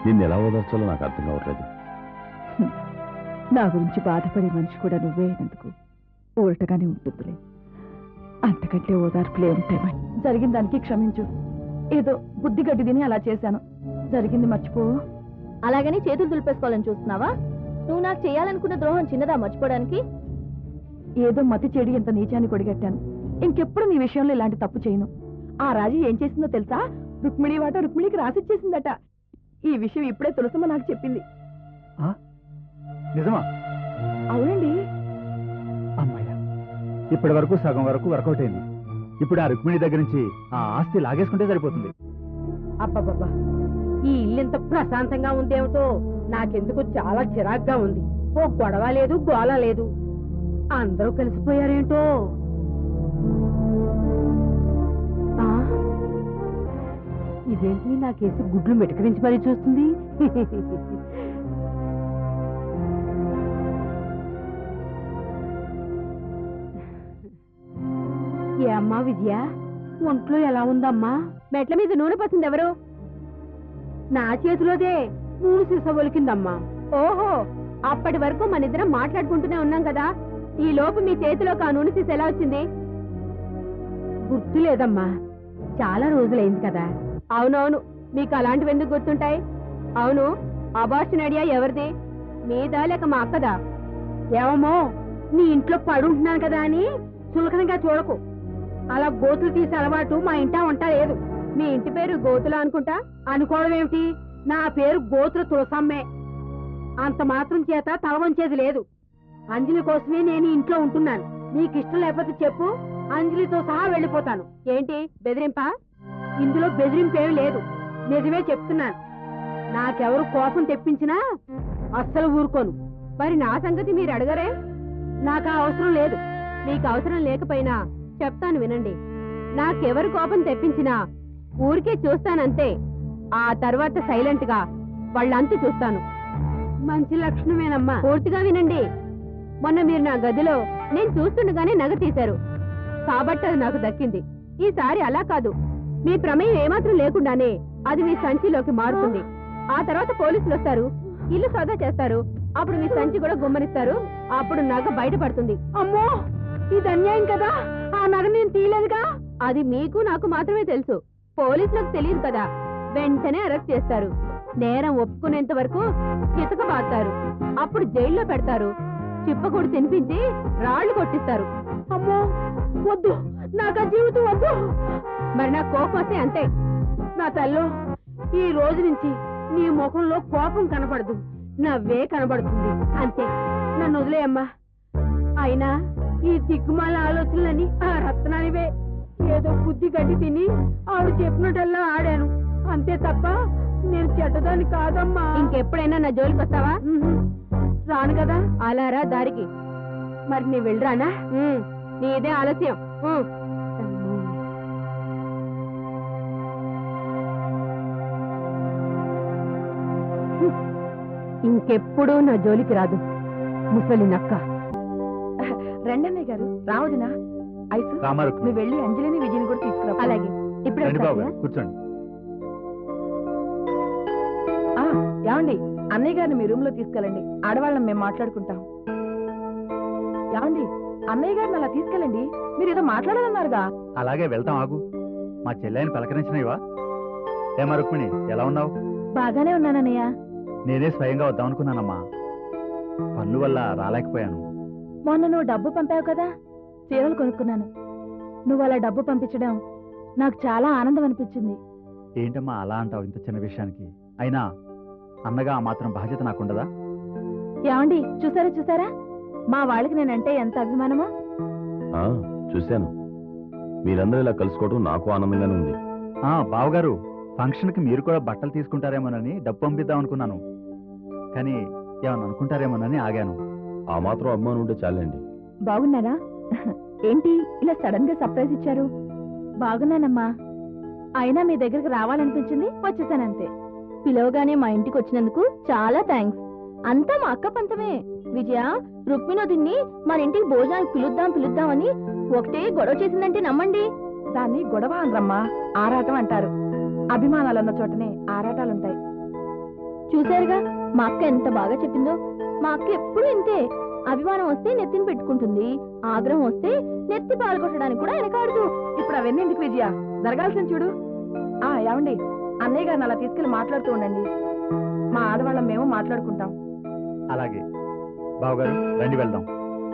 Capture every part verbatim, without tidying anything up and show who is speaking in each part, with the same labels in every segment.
Speaker 1: నిన్ను ఎలా ఓదార్చాలో నాకు అర్థం కావట్లేదు.
Speaker 2: నా గురించి బాధపడే మనిషి కూడా నువ్వే అయినందుకు ఊరటగానే ఉంటుందిలే. అంతకంటే ఓదార్పులే ఉంటాయి. జరిగిన దానికి క్షమించు. ఏదో బుద్ధి గడ్డి తిని అలా చేశాను. జరిగింది మర్చిపో.
Speaker 3: అలాగని చేతులు దులిపేసుకోవాలని చూస్తున్నావా? నువ్వు నాకు చేయాలనుకున్న ద్రోహం చిన్నదా మర్చిపోవడానికి?
Speaker 2: ఏదో మతి చెడి ఇంత నీచాన్ని కొడిగట్టాను. ఇంకెప్పుడు నీ విషయంలో ఇలాంటి తప్పు చేయను. ఆ రాజు ఏం చేసిందో తెలుసా? రుక్మిణి వాట రుక్మిణికి రాసిచ్చేసిందట. ఈ విషయం ఇప్పుడే తులసమ్మ నాకు చెప్పింది.
Speaker 4: నిజమా?
Speaker 2: అవునండి.
Speaker 4: అమ్మాయ్యా, ఇప్పటి వరకు సగం వరకు వర్కౌట్ అయింది. ఇప్పుడు ఆ రుక్మిణి దగ్గర నుంచి ఆ ఆస్తి లాగేసుకుంటే సరిపోతుంది.
Speaker 5: అబ్బబ్బబ్బా, ఈ ఇల్లు ప్రశాంతంగా ఉందేమిటో నాకెందుకు చాలా చిరాగ్గా ఉంది. ఓ గొడవ లేదు, గోల లేదు. అందరూ కలిసిపోయారేంటో. ఇదేంటి నాకేసి గుడ్లు మెటకరించి మరీ చూస్తుంది. ఏ అమ్మా విజయ, ఒంట్లో ఎలా ఉందమ్మా?
Speaker 3: మెట్ల మీద నూనె పోసింది ఎవరు?
Speaker 5: నా చేతిలోదే నూనె సీస ఒలికిందమ్మా.
Speaker 3: ఓహో, అప్పటి వరకు మన ఇద్దరం మాట్లాడుకుంటూనే ఉన్నాం కదా. ఈ లోపు మీ చేతిలోకి ఆ నూనె సీస ఎలా వచ్చింది?
Speaker 5: గుర్తు లేదమ్మా, చాలా రోజులైంది కదా.
Speaker 3: అవునవును, మీకు అలాంటివి ఎందుకు గుర్తుంటాయి? అవును, అబార్షన్ ఐడియా ఎవరిది? మీదా లేక మా అక్కదా?
Speaker 5: ఏమో, నీ ఇంట్లో పడుంటున్నాను కదా అని చులకనగా చూడకు. అలా గోతులు తీసే అలవాటు మా ఇంటా ఉంటా లేదు.
Speaker 3: మీ ఇంటి పేరు గోతుల అనుకుంటా.
Speaker 5: అనుకోవడం ఏమిటి? నా పేరు గోతుల తులసమ్మే. అంత మాత్రం చేత తలవంచేది లేదు. అంజలి కోసమే నేను ఇంట్లో ఉంటున్నాను. నీకు ఇష్టం లేకపోతే చెప్పు, అంజలితో సహా వెళ్ళిపోతాను.
Speaker 3: ఏంటి బెదిరింపా?
Speaker 5: ఇందులో బెదిరింపేమి లేదు, నిజమే చెప్తున్నాను. నాకెవరు కోపం తెప్పించినా అస్సలు ఊరుకోను.
Speaker 3: మరి నా సంగతి మీరు అడగరే?
Speaker 5: నాకు అవసరం లేదు.
Speaker 3: మీకు అవసరం లేకపోయినా చెప్తాను వినండి. నాకెవరు కోపం తెప్పించినా ఊరికే చూస్తానంతే. ఆ తర్వాత సైలెంట్ గా వాళ్ళంతూ చూస్తాను.
Speaker 5: మంచి లక్షణమేనమ్మా.
Speaker 3: పూర్తిగా వినండి. మొన్న మీరు నా గదిలో నేను చూస్తుండగానే నగ తీశారు కాబట్టి అది నాకు దక్కింది. ఈసారి అలా కాదు, మీ ప్రమేయం ఏమాత్రం లేకుండానే అది మీ సంచిలోకి మారుతుంది. ఆ తర్వాత పోలీసులు వస్తారు, ఇల్లు సోదా చేస్తారు. అప్పుడు మీ సంచి కూడా గుమ్మనిస్తారు. అప్పుడు నగ బయటపడుతుంది.
Speaker 5: అమ్మో, ఇది అన్యాయం కదా. ఆ నగ నేను తీయలేదుగా.
Speaker 3: అది మీకు నాకు మాత్రమే తెలుసు, పోలీసులకు తెలియదు కదా. వెంటనే అరెస్ట్ చేస్తారు. నేరం ఒప్పుకునేంత వరకు చితకబాస్తారు. అప్పుడు జైల్లో పెడతారు. చిప్పకూడు తినిపించి రాళ్లు కొట్టిస్తారు.
Speaker 5: అమ్మో వద్దు, నాకు ఆ జీవితం వద్దు.
Speaker 3: మరి నాకు కోపం వస్తే అంతే.
Speaker 5: నా తల్లో, ఈ రోజు నుంచి నీ ముఖంలో కోపం కనపడదు, నవ్వే కనబడుతుంది. అంతే, నన్ను వదిలేయమ్మా. అయినా ఈ దిక్కుమాల ఆలోచనలని ఆ రత్నానివే. ఏదో బుద్ధి గడ్డి తిని ఆవిడ చెప్పినట్టల్లా ఆడాను అంతే తప్ప నేను చెడ్డదాన్ని కాదమ్మా.
Speaker 3: ఇంకెప్పుడైనా నా జోలికి వస్తావా?
Speaker 5: రాను కదా.
Speaker 3: అలారా దారికి.
Speaker 5: మరి నీ వెళ్ళరానా?
Speaker 3: నీదే ఆలస్యం. ఇంకెప్పుడు నా జోలికి రాదు ముసలి నక్క.
Speaker 2: రెండన్నయ్య గారు, రావదినా ఐసు,
Speaker 4: రామారుకు
Speaker 2: నువ్వు వెళ్ళి అంజలిని విజయని కూడా తీసుకురా.
Speaker 3: అలాగే, ఇప్పుడు
Speaker 4: రండి బాబు గారు, కూర్చోండి.
Speaker 2: ఆ, ఏమండి, అన్నయ్య గారిని మీ రూమ్ లో తీసుకెళ్ళండి. ఆడవాళ్ళం మేము మాట్లాడుకుంటాం. ఏమండి, అన్నయ్య గారిని అలా తీసుకెళ్ళండి. మీరు ఏదో మాట్లాడాలన్నారుగా.
Speaker 4: అలాగే వెళ్తాం, ఆగు. మా చెల్లెని పలకరించినవా? ఏమా రుక్మిణి, ఎలా ఉన్నావు?
Speaker 2: బాగానే ఉన్నానన్నయ్య.
Speaker 4: నేనే స్వయంగా వద్దామనుకున్నానమ్మా, పనుల వల్ల రాలేకపోయాను.
Speaker 2: మొన్న నువ్వు డబ్బు పంపావు కదా, చీరలు కొనుక్కున్నాను. నువ్వు అలా డబ్బు పంపించడం నాకు చాలా ఆనందం అనిపించింది.
Speaker 4: ఏంటమ్మా అలా అంటావు ఇంత చిన్న విషయానికి? అయినా అన్నగా ఆ మాత్రం బాధ్యత నాకుండదా?
Speaker 2: ఏమండి, చూసారా చూసారా మా వాళ్ళకి నేనంటే ఎంత అభిమానమో.
Speaker 1: చూశాను, మీరందరూ ఇలా కలుసుకోవడం నాకు ఆనందంగానే ఉంది.
Speaker 4: బావగారు, ఫంక్షన్ కి మీరు కూడా బట్టలు తీసుకుంటారేమోనని డబ్బు పంపిద్దాం అనుకున్నాను, కానీ ఏమన్నా అనుకుంటారేమోనని ఆగాను.
Speaker 1: ఆ మాత్రం అభిమానం ఉంటే చాలండి.
Speaker 2: బాగున్నారా? ఏంటి ఇలా సడన్ గా సర్ప్రైజ్ ఇచ్చారు? బాగున్నానమ్మా. అయినా మీ దగ్గరికి రావాలనిపించింది, వచ్చేసానంతే.
Speaker 3: పిలవగానే మా ఇంటికి వచ్చినందుకు చాలా థ్యాంక్స్. అంతా మా అక్క పంతమే. విజయ, రుక్మిణోదిన్ని మన ఇంటికి భోజనానికి పిలుద్దాం పిలుద్దామని ఒకటే గొడవ చేసిందంటే నమ్మండి.
Speaker 2: దాన్ని గొడవ అనరమ్మా, ఆరాటం అంటారు. అభిమానాలన్న చోటనే ఆరాటాలుంటాయి.
Speaker 3: చూశారుగా మా అక్క ఎంత బాగా చెప్పిందో. మా అక్క ఎప్పుడు ఇంతే. అభిమానం వస్తే నెత్తిని పెట్టుకుంటుంది, ఆగ్రహం వస్తే నెత్తి పాల్గొట్టడానికి కూడా వెనకాడదు.
Speaker 2: ఇప్పుడు అవన్నీ ఎందుకు విజయ, జరగాల్సింది చూడు. ఆ ఏమండి, అన్నయ్య గారిని అలా తీసుకెళ్లి మాట్లాడుతూ ఉండండి. మా ఆడవాళ్ళం మేము మాట్లాడుకుంటాం.
Speaker 4: అలాగే బావగారు, రండి వెళ్దాం.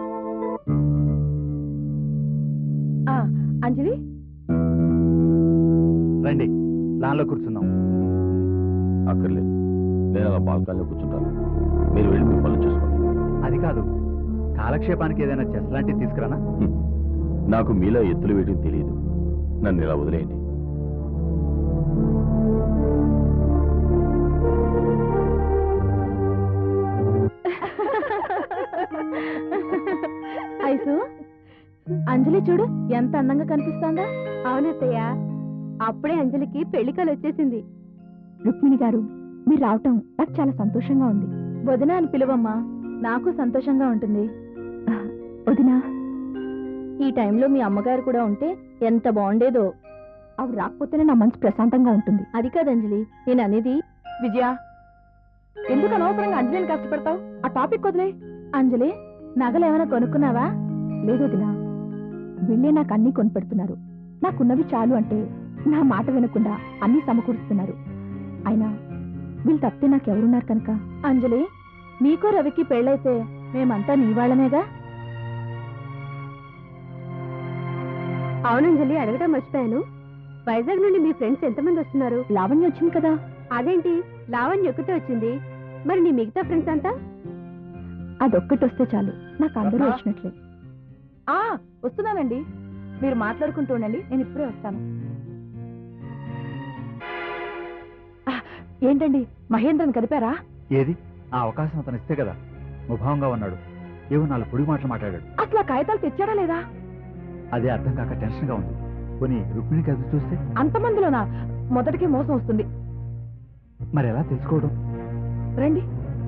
Speaker 2: ఆ అంజలి,
Speaker 4: రండి, లాన్లో కూర్చుందాం.
Speaker 1: అక్కర్లేదు, నేను అలా బాల్కాల్లో కూర్చుంటాను. మీరు వెళ్ళి మీ పనులు చూసుకోండి.
Speaker 4: అది కాదు, కాలక్షేపానికి ఏదైనా చెస్ లాంటివి తీసుకురానా?
Speaker 1: హ్మ్. నాకు మీలో ఎత్తులు వేయడం తెలియదు. నన్ను ఇలా వదిలేయండి.
Speaker 3: ఐసు, అంజలి చూడు ఎంత అందంగా కనిపిస్తోందా. అవునత్తయ్య, అప్పుడే అంజలికి పెళ్లికలు వచ్చేసింది. రుక్మిణి గారు, మీరు రావటం నాకు చాలా సంతోషంగా ఉంది. వదిన అని పిలువమ్మా, నాకు సంతోషంగా ఉంటుంది. వదినా, ఈ టైంలో మీ అమ్మగారు కూడా ఉంటే ఎంత బాగుండేదో. ఆవిడ రాకపోతేనే నా మనసు ప్రశాంతంగా ఉంటుంది. అది కాదు అంజలి, నేను అనేది.
Speaker 2: విజయ, ఎందుకు అనవసరంగా అంజలిని కష్టపెడతావు? ఆ టాపిక్ వదిలే.
Speaker 3: అంజలి, నగలు ఏమైనా కొనుక్కున్నావా? లేదు వదినా, వీళ్ళే నాకు అన్నీ కొనిపెడుతున్నారు. నాకున్నవి చాలు అంటే నా మాట వినకుండా అన్నీ సమకూరుస్తున్నారు. అయినా వీళ్ళు తప్పితే నాకెవరున్నారు కనుక. అంజలి, నీకు రవికి పెళ్ళైతే మేమంతా నీ వాళ్ళమేగా. అవునంజలి, అడగటం మర్చిపోయాను. వైజాగ్ నుండి మీ ఫ్రెండ్స్ ఎంతమంది వస్తున్నారు? లావణ్య వచ్చింది కదా. అదేంటి, లావణ్య ఒక్కతే వచ్చింది, మరి నీ మిగతా ఫ్రెండ్స్ అంతా? అదొక్కటి వస్తే చాలు, నాకు అందరూ వచ్చినట్లే.
Speaker 2: ఆ వస్తున్నానండి, మీరు మాట్లాడుకుంటూ ఉండండి, నేను ఇప్పుడే వస్తాను. ఆ, ఏంటండి, మహేంద్రని కదిపారా?
Speaker 4: ఏది, ఆ అవకాశం అతను ఇస్తే కదా. ముభావంగా ఉన్నాడు, ఏవో నాలుగు పొడి మాటలు మాట్లాడాడు.
Speaker 2: అసలు ఆ కాగితాలు తెచ్చాడా లేదా?
Speaker 4: అదే అర్థం కాక టెన్షన్ గా ఉంది. పోనీ రుక్మిణికి అది చూస్తే?
Speaker 2: అంతమందిలోనా? మొదటికే మోసం వస్తుంది.
Speaker 4: మరి ఎలా తెలుసుకోవడం?
Speaker 2: రండి.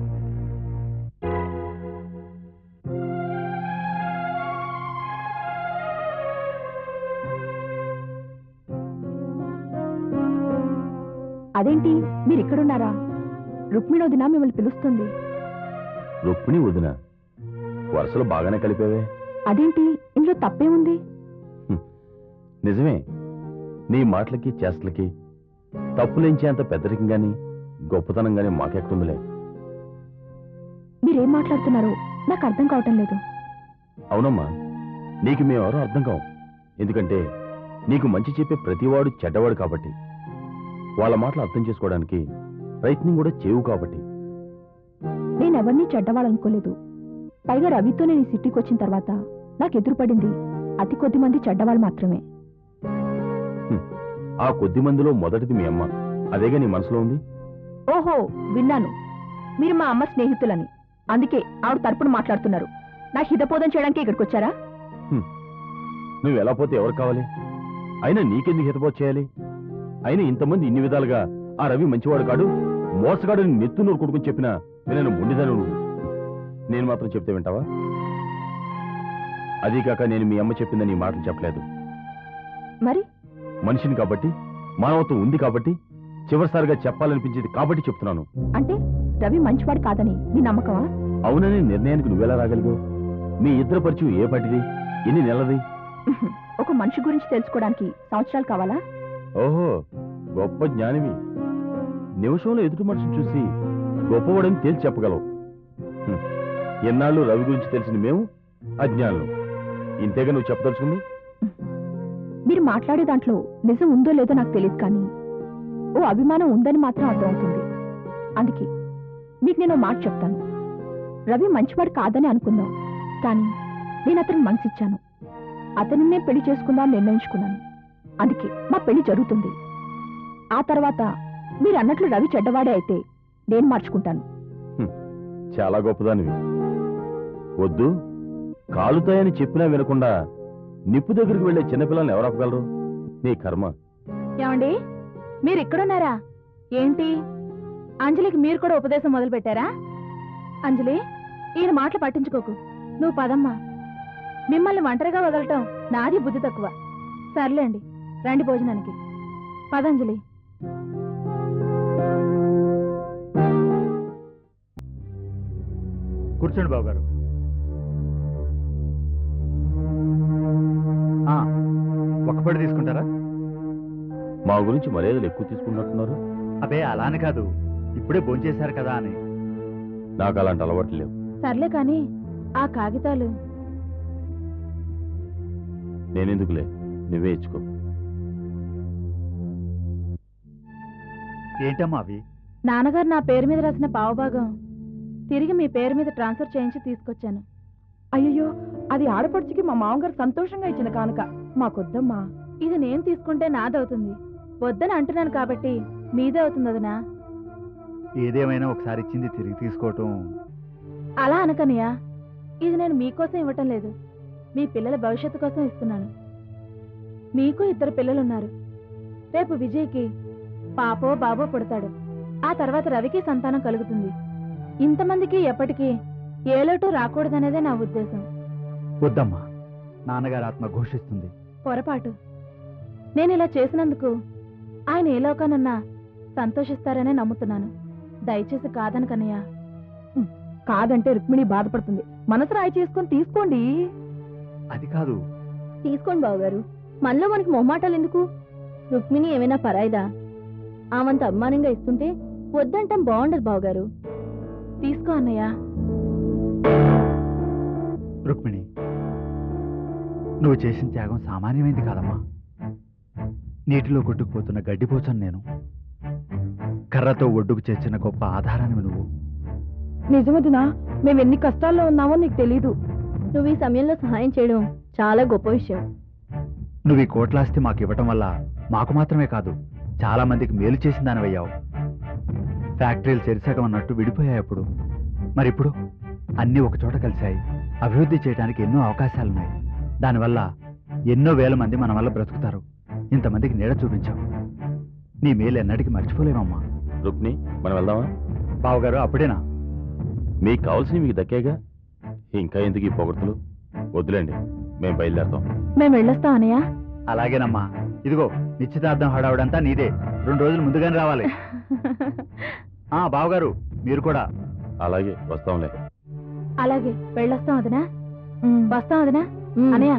Speaker 3: అదేంటి, మీరు ఇక్కడున్నారా? రుక్మిణి వదిన మిమ్మల్ని పిలుస్తుంది.
Speaker 1: రుక్మిణి వదిన, వరుసలు బాగానే కలిపేవే.
Speaker 3: అదేంటి, ఇందులో తప్పేముంది?
Speaker 1: నిజమే, నీ మాటలకి చేష్టలకి తప్పులేంచేంత పెద్దరికం గాని గొప్పతనం గాని మాకెక్కడుందిలే.
Speaker 3: మీరేం మాట్లాడుతున్నారో నాకు అర్థం కావటం లేదు.
Speaker 1: అవునమ్మా, నీకు మేమెవరో అర్థం కావు. ఎందుకంటే నీకు మంచి చెప్పే ప్రతివాడు చెడ్డవాడు కాబట్టి, వాళ్ళ మాటలు అర్థం చేసుకోవడానికి ప్రయత్నం కూడా చేవు కాబట్టి.
Speaker 3: నేనెవరినీ చెడ్డవాళ్ళనుకోలేదు. పైగా రవితో నేను ఈ సిటీకి వచ్చిన తర్వాత నాకు ఎదురుపడింది అతి కొద్ది మంది చెడ్డవాళ్ళు మాత్రమే.
Speaker 1: ఆ కొద్ది మందిలో మొదటిది మీ అమ్మ, అదేగా నీ మనసులో ఉంది.
Speaker 3: ఓహో, విన్నాను, మీరు మా అమ్మ స్నేహితులని. అందుకే ఆవిడ తరపున మాట్లాడుతున్నారు. నా హితపోదం చేయడానికి ఇక్కడికి వచ్చారా?
Speaker 1: నువ్వు ఎలా పోతే ఎవరు కావాలి? అయినా నీకెందుకు హితపోత చేయాలి? అయినా ఇంతమంది ఇన్ని విధాలుగా ఆ రవి మంచివాడు కాడు, మోసగాడు నెత్తు నూరు కొడుకుని చెప్పినా నేను ముండిదాను. నువ్వు నేను మాత్రం చెప్తే వింటావా? అదీ కాక నేను మీ అమ్మ చెప్పిందని ఈ మాటలు చెప్పలేదు.
Speaker 3: మరి
Speaker 1: మనిషిని కాబట్టి, మానవత్వం ఉంది కాబట్టి, చివరిసారిగా చెప్పాలనిపించింది కాబట్టి చెప్తున్నాను.
Speaker 3: అంటే రవి మంచివాడు కాదని నీ నమ్మకమా?
Speaker 1: అవునని నిర్ణయానికి నువ్వెలా రాగలిగావు? మీ ఇద్దరు పరిచయం ఏ పట్టిది, ఎన్ని నెలది?
Speaker 3: ఒక మనిషి గురించి తెలుసుకోవడానికి సంవత్సరాలు కావాలా?
Speaker 1: ఓహో, గొప్ప జ్ఞానివి. నిమిషంలో ఎదుటి మనిషిని చూసి గొప్పవాడని తేల్చి చెప్పగలవు. ఎన్నాళ్ళు రవి గురించి తెలిసిన మేము అజ్ఞానులు. ఇంతేగా నువ్వు చెప్పదలుచుకుంది?
Speaker 3: మీరు మాట్లాడే దాంట్లో నిజం ఉందో లేదో నాకు తెలియదు, కానీ ఓ అభిమానం ఉందని మాత్రం అర్థమవుతుంది. అందుకే మీకు నేను మాట చెప్తాను. రవి మంచివాడు కాదని అనుకుందాం, కానీ నేను అతను మనసిచ్చాను. అతనినే పెళ్లి చేసుకుందాం నిర్ణయించుకున్నాను. అందుకే మా పెళ్లి జరుగుతుంది. ఆ తర్వాత మీరు అన్నట్లు రవి చెడ్డవాడే అయితే నేను మార్చుకుంటాను.
Speaker 1: చాలా గొప్పదానివి. వద్దు, కాలుతాయని చెప్పినా వినకుండా నిప్పు దగ్గరికి వెళ్లే చిన్నపిల్లల్ని ఎవరు ఆపగలరు? నీ కర్మ.
Speaker 3: ఏమండి, మీరు ఇక్కడున్నారా? ఏంటి, అంజలికి మీరు కూడా ఉపదేశం మొదలు పెట్టారా? అంజలి, ఈయన మాటలు పట్టించుకోకు, నువ్వు పదమ్మా. మిమ్మల్ని ఒంటరిగా వదలటం నాది బుద్ధి తక్కువ. సర్లేండి, రండి భోజనానికి. పదంజలి.
Speaker 4: కూర్చోండి బాబు గారు. ఒక పడి తీసుకుంటారా?
Speaker 1: మా గురించి మర్యాదలు ఎక్కువ తీసుకున్నట్టున్నారు.
Speaker 4: అబే అలా అని కాదు, ఇప్పుడే భోంచేశారు కదా అని.
Speaker 1: నాకు అలాంటి అలవాట్లు లేవు.
Speaker 2: సర్లే కానీ ఆ కాగితాలు
Speaker 1: నేనెందుకులే, నువ్వే ఇచ్చుకో.
Speaker 4: ఏంటమ్మా అవి?
Speaker 2: నాన్నగారు నా పేరు మీద రాసిన పావుభాగం తిరిగి మీ పేరు మీద ట్రాన్స్ఫర్ చేయించి తీసుకొచ్చాను. అయ్యో, అది ఆడపడుచుకి మా మామగారు సంతోషంగా ఇచ్చిన కానుక, మాకొద్దమ్మా. ఇది నేను తీసుకుంటే నాదవుతుంది, వద్దని అంటున్నాను కాబట్టి మీదే అవుతుంది వదినా.
Speaker 4: ఏదేమైనా ఒకసారి ఇచ్చింది తిరిగి తీసుకోవటం.
Speaker 2: అలా అనకనియా, ఇది నేను మీకోసం ఇవ్వటం లేదు, మీ పిల్లల భవిష్యత్తు కోసం ఇస్తున్నాను. మీకు ఇద్దరు పిల్లలున్నారు. రేపు విజయ్కి పాపో బాబో పుడతాడు. ఆ తర్వాత రవికి సంతానం కలుగుతుంది. ఇంతమందికి ఎప్పటికీ ఏ లోటు రాకూడదనేదే నా ఉద్దేశం.
Speaker 4: వద్దమ్మా, నాన్నగారు ఆత్మ ఘోషిస్తుంది.
Speaker 2: పొరపాటు. నేను ఇలా చేసినందుకు ఆయన ఏ లోకానన్నా సంతోషిస్తారనే నమ్ముతున్నాను. దయచేసి కాదనకన్నయ్య. కాదంటే రుక్మిణి బాధపడుతుంది. మనసు రాయి చేసుకొని తీసుకోండి.
Speaker 4: అది కాదు.
Speaker 3: తీసుకోండి బావగారు, మనలో మనకి మొహమాటాలు ఎందుకు? రుక్మిణి ఏమైనా పరాయిదా? ఆమంత అభిమానంగా ఇస్తుంటే వద్దంటాం బాగుండదు బావగారు.
Speaker 2: తీసుకో అన్నయ్య.
Speaker 4: రుక్మిణి, నువ్వు చేసిన త్యాగం సామాన్యమైంది కాదమ్మా. నీటిలో కొట్టుకుపోతున్న గడ్డిపోచను నేను. కర్రతో ఒడ్డుకు చేర్చిన గొప్ప ఆధారాన్ని నువ్వు.
Speaker 2: నిజమదినా, మేము ఎన్ని కష్టాల్లో ఉన్నామో నీకు తెలీదు.
Speaker 3: నువ్వు ఈ సమయంలో సహాయం చేయడం చాలా గొప్ప విషయం.
Speaker 4: నువ్వు ఈ కోట్లాస్తి మాకు ఇవ్వటం వల్ల మాకు మాత్రమే కాదు, చాలా మందికి మేలు చేసిన దానివయ్యావు. ఫ్యాక్టరీలు చెరిసగం అన్నట్టు విడిపోయాయప్పుడు. మరిప్పుడు అన్నీ ఒకచోట కలిశాయి. అభివృద్ధి చేయడానికి ఎన్నో అవకాశాలున్నాయి. దానివల్ల ఎన్నో వేల మంది మన వల్ల బ్రతుకుతారు. ఇంతమందికి నీడ చూపించావు. నీ మేలు ఎన్నటికి మర్చిపోలేమమ్మా.
Speaker 1: రుక్ని, మనం వెళ్దామా?
Speaker 4: బావగారు, అప్పుడేనా?
Speaker 1: మీకు కావాల్సినవి మీకు దక్కేగా, ఇంకా ఎందుకు ఈ పొగడ్తలు? వద్దులేండి, మేము బయలుదేరుతాం.
Speaker 2: మేము వెళ్ళొస్తాం అన్నయ్య.
Speaker 4: అలాగేనమ్మా. ఇదిగో నిశ్చితార్థం హడావుడంతా నీదే. రెండు రోజులు ముందుగానే రావాలి. ఆ బావగారు, మీరు కూడా.
Speaker 1: అలాగే, వస్తాంలే.
Speaker 2: అలాగే, వెళ్ళొస్తాం వదినా. వస్తాం వదినా. అన్నయ్య.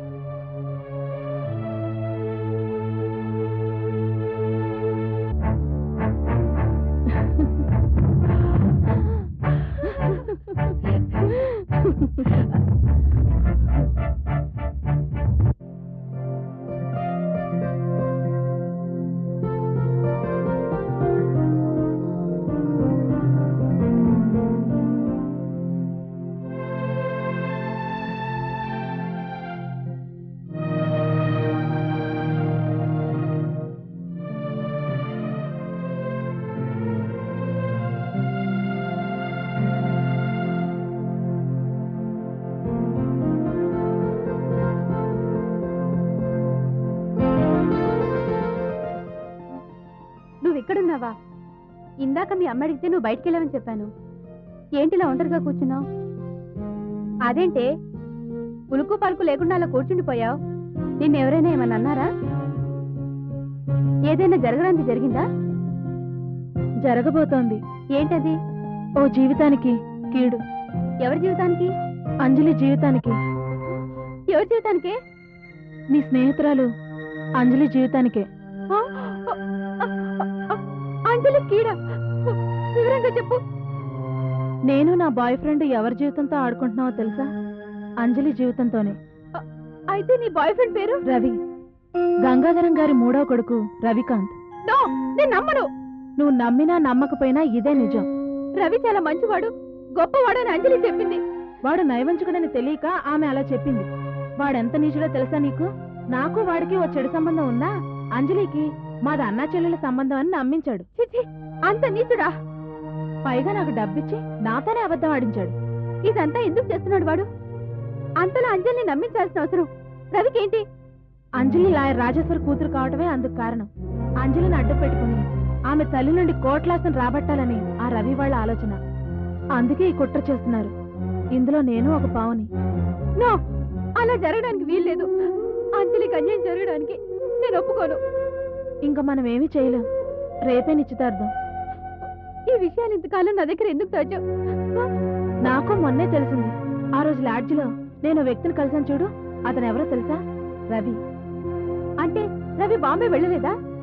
Speaker 3: ఇక్కడున్నావా? ఇందాక మీ అమ్మ అడిగితే నువ్వు బయటికి వెళ్ళావని చెప్పాను. ఏంటిలా ఒంటరిగా కూర్చున్నావు? అదేంటే ఉలుకు పలుకు లేకుండా అలా కూర్చుండిపోయావు? నిన్నెవరైనా ఏమన్నా అన్నారా? ఏదైనా జరగడానికి జరిగిందా?
Speaker 2: జరగబోతోంది.
Speaker 3: ఏంటది?
Speaker 2: ఓ జీవితానికి కీడు.
Speaker 3: ఎవరి జీవితానికి?
Speaker 2: అంజలి జీవితానికి.
Speaker 3: ఎవరి జీవితానికే?
Speaker 2: నీ స్నేహితురాలు అంజలి జీవితానికే.
Speaker 3: అంజలి కీడ? వివరంగా చెప్పు.
Speaker 2: నేను నా బాయ్ ఫ్రెండ్ ఎవరి జీవితంతో ఆడుకుంటున్నావో తెలుసా? అంజలి జీవితంతోనే.
Speaker 3: అయితే నీ బాయ్ ఫ్రెండ్ పేరు?
Speaker 2: రవి. గంగాధరం గారి మూడో కొడుకు రవికాంత్.
Speaker 3: నో, నేను నమ్మను.
Speaker 2: నువ్వు నమ్మినా నమ్మకపోయినా ఇదే నిజం.
Speaker 3: రవి చాలా మంచివాడు, గొప్పవాడని అంజలి చెప్పింది.
Speaker 2: వాడు నైవంచుకుడని తెలియక ఆమె అలా చెప్పింది. వాడెంత నీచుడో తెలుసా నీకు? నాకు వాడికి ఓ చెడు సంబంధం ఉన్నా అంజలికి మాది అన్నా చెల్లెల సంబంధం అని నమ్మించాడు.
Speaker 3: చిచి, అంత నీచుడా?
Speaker 2: పైగా నాకు డబ్బిచ్చి నాతోనే అబద్ధం ఆడించాడు.
Speaker 3: ఇదంతా ఎందుకు చేస్తున్నాడు వాడు? అంతలా అంజలిని నమ్మించాల్సిన అవసరం రవికేంటి?
Speaker 2: అంజలి లాయర్ రాజేశ్వర్ కూతురు కావటమే అందుకు కారణం. అంజలిని అడ్డు పెట్టుకుని ఆమె తల్లి నుండి కోట్లాసం రాబట్టాలని ఆ రవి వాళ్ళ ఆలోచన. అందుకే ఈ కుట్ర చేస్తున్నారు. ఇందులో నేను ఒక పావుని.
Speaker 3: నో, అలా జరగడానికి వీల్లేదు. అంజలికి అన్యాయం జరగడానికి నేను ఒప్పుకోను.
Speaker 2: ఇంకా మనం ఏమీ చేయలేం. రేపే నిశ్చితార్థం.
Speaker 3: ఈ విషయాలు ఇంతకాలం నా దగ్గర ఎందుకు దాచావు?
Speaker 2: నాకు మొన్నే తెలిసింది. ఆ రోజు లాడ్జిలో నేను వ్యక్తిని కలిసాను చూడు, అతను ఎవరో తెలుసా? రవి.
Speaker 3: అంటే రవి బాంబే వెళ్ళలేదా?